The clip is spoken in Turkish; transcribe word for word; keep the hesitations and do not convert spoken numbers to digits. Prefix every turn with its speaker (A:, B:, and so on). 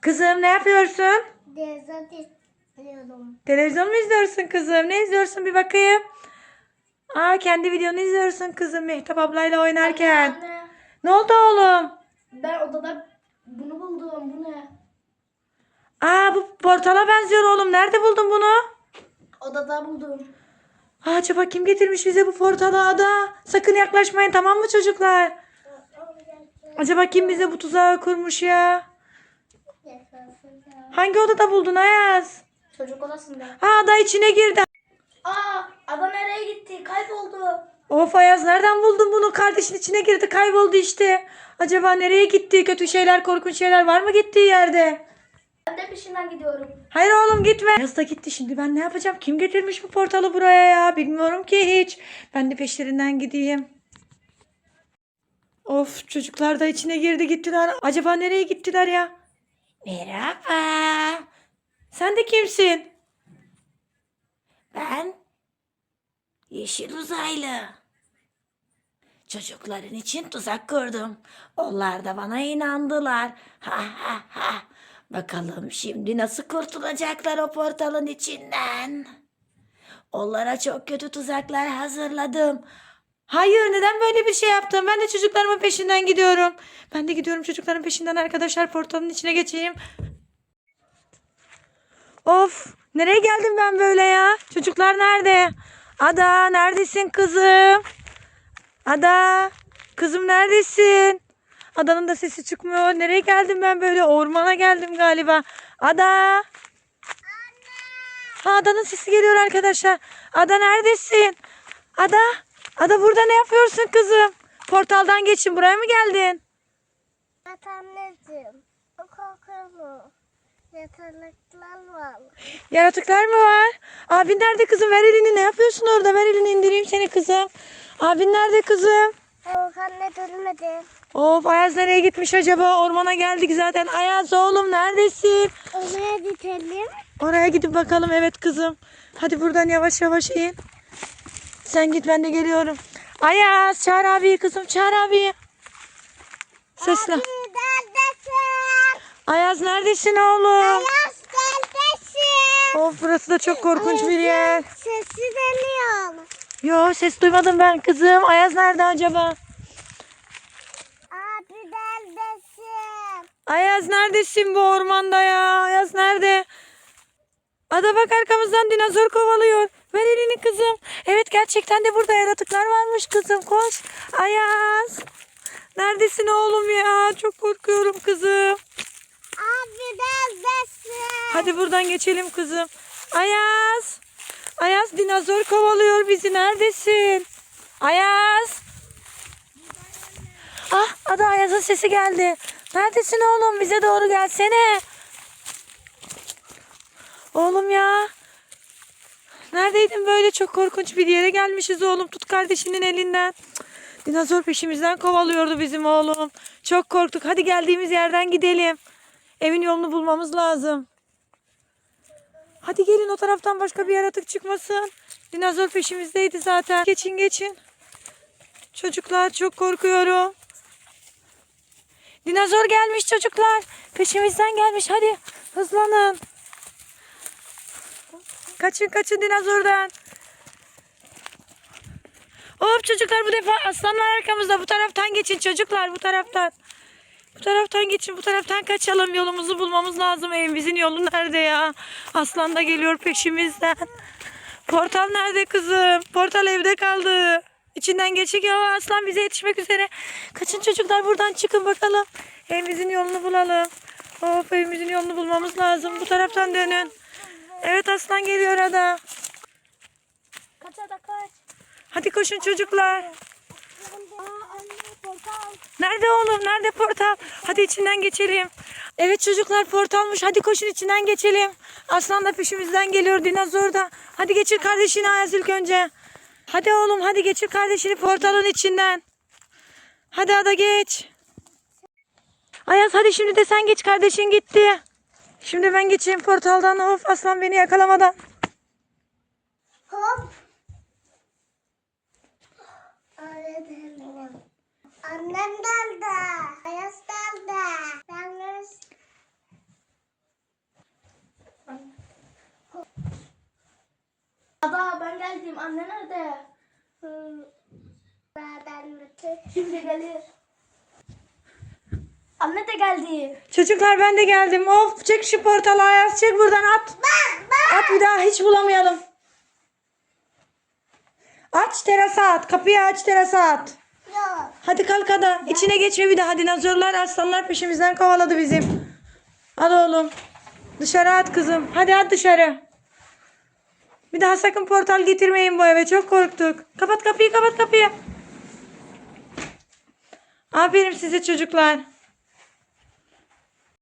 A: Kızım ne yapıyorsun?
B: Televizyon izliyorum.
A: Televizyon mu izliyorsun kızım? Ne izliyorsun bir bakayım. Aa, kendi videonu izliyorsun kızım Mehtap ablayla oynarken.
B: Anne, anne.
A: Ne oldu oğlum?
B: Ben odada bunu buldum. Bu ne?
A: Aa, bu portala benziyor oğlum. Nerede buldun bunu?
B: Odada buldum.
A: Aa, acaba kim getirmiş bize bu portalı Ada? Sakın yaklaşmayın, tamam mı çocuklar? Acaba kim bize bu tuzağı kurmuş ya? Hangi odada buldun Ayaz?
B: Çocuk odasında.
A: Ha, Ada içine girdi.
B: Aa, adam nereye gitti? Kayboldu.
A: Of Ayaz, nereden buldun bunu? Kardeşin içine girdi, kayboldu işte. Acaba nereye gitti? Kötü şeyler, korkunç şeyler var mı gittiği yerde?
B: Ben de peşinden gidiyorum.
A: Hayır oğlum, gitme. Ayaz da gitti, şimdi ben ne yapacağım? Kim getirmiş bu portalı buraya ya? Bilmiyorum ki hiç. Ben de peşlerinden gideyim. Of, çocuklar da içine girdi gittiler. Acaba nereye gittiler ya? Merhaba. Sen de kimsin? Ben yeşil uzaylı. Çocukların için tuzak kurdum. Onlar da bana inandılar. Ha ha ha. Bakalım şimdi nasıl kurtulacaklar o portalın içinden. Onlara çok kötü tuzaklar hazırladım. Hayır, neden böyle bir şey yaptım? Ben de çocuklarımın peşinden gidiyorum. Ben de gidiyorum çocukların peşinden arkadaşlar. Portalın içine geçeyim. Of, nereye geldim ben böyle ya? Çocuklar nerede? Ada, neredesin kızım? Ada, kızım neredesin? Adanın da sesi çıkmıyor. Nereye geldim ben böyle? Ormana geldim galiba. Ada. Ha, Ada'nın sesi geliyor arkadaşlar. Ada neredesin? Ada. Ada, burada ne yapıyorsun kızım? Portaldan geçin. Buraya mı geldin?
B: Evet anneciğim. O korkuyorum. Yatalıklar var.
A: Yaratıklar mı var? Abin nerede kızım? Ver elini. Ne yapıyorsun orada? Ver elini, indireyim seni kızım. Abin nerede kızım?
B: Yok anne dönmedi.
A: Of, Ayaz nereye gitmiş acaba? Ormana geldik zaten. Ayaz oğlum neredesin?
B: Oraya gidelim.
A: Oraya gidip bakalım. Evet kızım. Hadi buradan yavaş yavaş in. Sen git, ben de geliyorum. Ayaz, çağır abi kızım, çağır abi. Sesle.
B: Abi neredesin?
A: Ayaz neredesin oğlum?
B: Ayaz neredesin?
A: Of, burası da çok korkunç bir yer.
B: Sesi geliyor.
A: Yo, ses duymadım ben kızım. Ayaz nerede acaba?
B: Abi neredesin?
A: Ayaz neredesin bu ormanda ya? Ayaz nerede? Ada bak, arkamızdan dinozor kovalıyor. Ver elini kızım. Evet, gerçekten de burada yaratıklar varmış kızım. Koş. Ayaz. Neredesin oğlum ya? Çok korkuyorum kızım.
B: Abi neredesin?
A: Hadi buradan geçelim kızım. Ayaz. Ayaz, dinozor kovalıyor bizi. Neredesin? Ayaz. Ah, Ada, Ayaz'ın sesi geldi. Neredesin oğlum? Bize doğru gelsene. Oğlum ya. Neredeydin böyle? Çok korkunç bir yere gelmişiz oğlum. Tut kardeşinin elinden. Cık, dinozor peşimizden kovalıyordu bizim oğlum. Çok korktuk. Hadi geldiğimiz yerden gidelim. Evin yolunu bulmamız lazım. Hadi gelin, o taraftan başka bir yaratık çıkmasın. Dinozor peşimizdeydi zaten. Geçin geçin. Çocuklar, çok korkuyorum. Dinozor gelmiş çocuklar. Peşimizden gelmiş. Hadi hızlanın. Kaçın kaçın dinozordan. Hop çocuklar, bu defa aslanlar arkamızda. Bu taraftan geçin çocuklar, bu taraftan. Bu taraftan geçin, bu taraftan kaçalım. Yolumuzu bulmamız lazım. Evimizin yolu nerede ya? Aslan da geliyor peşimizden. Portal nerede kızım? Portal evde kaldı. İçinden geçik ya, aslan bize yetişmek üzere. Kaçın çocuklar, buradan çıkın bakalım. Evimizin yolunu bulalım. Hop, evimizin yolunu bulmamız lazım. Bu taraftan dönün. Evet, aslan geliyor Ada.
B: Kaç ada kaç.
A: Hadi koşun çocuklar.
B: Aa anne portal.
A: Nerede oğlum? Nerede portal? Hadi içinden geçelim. Evet çocuklar, portalmış. Hadi koşun, içinden geçelim. Aslan da peşimizden geliyor, dinozor da. Hadi geçir kardeşini Ayaz ilk önce. Hadi oğlum, hadi geçir kardeşini portalın içinden. Hadi Ada, geç. Ayaz hadi şimdi de sen geç, kardeşin gitti. Şimdi ben geçeyim portaldan. Of, aslan beni yakalamadan.
B: Hop. Öğretmenim. Annem geldi. Ayaz geldi. Yalnız geldim. Anne nerede? Zaten bütün. Şimdi gelir. Anne de geldi.
A: Çocuklar ben de geldim. Of çek şu portalı Ayaz, çek buradan at. At bir daha hiç bulamayalım. Aç terasa at. Kapıyı aç terasa at.
B: Yok.
A: Hadi kalk hadi. İçine geçme bir daha. Hadi dinozorlar aslanlar peşimizden kovaladı bizim. Al oğlum. Dışarı at kızım. Hadi at dışarı. Bir daha sakın portal getirmeyin bu eve. Çok korktuk. Kapat kapıyı, kapat kapıyı. Aferin size çocuklar.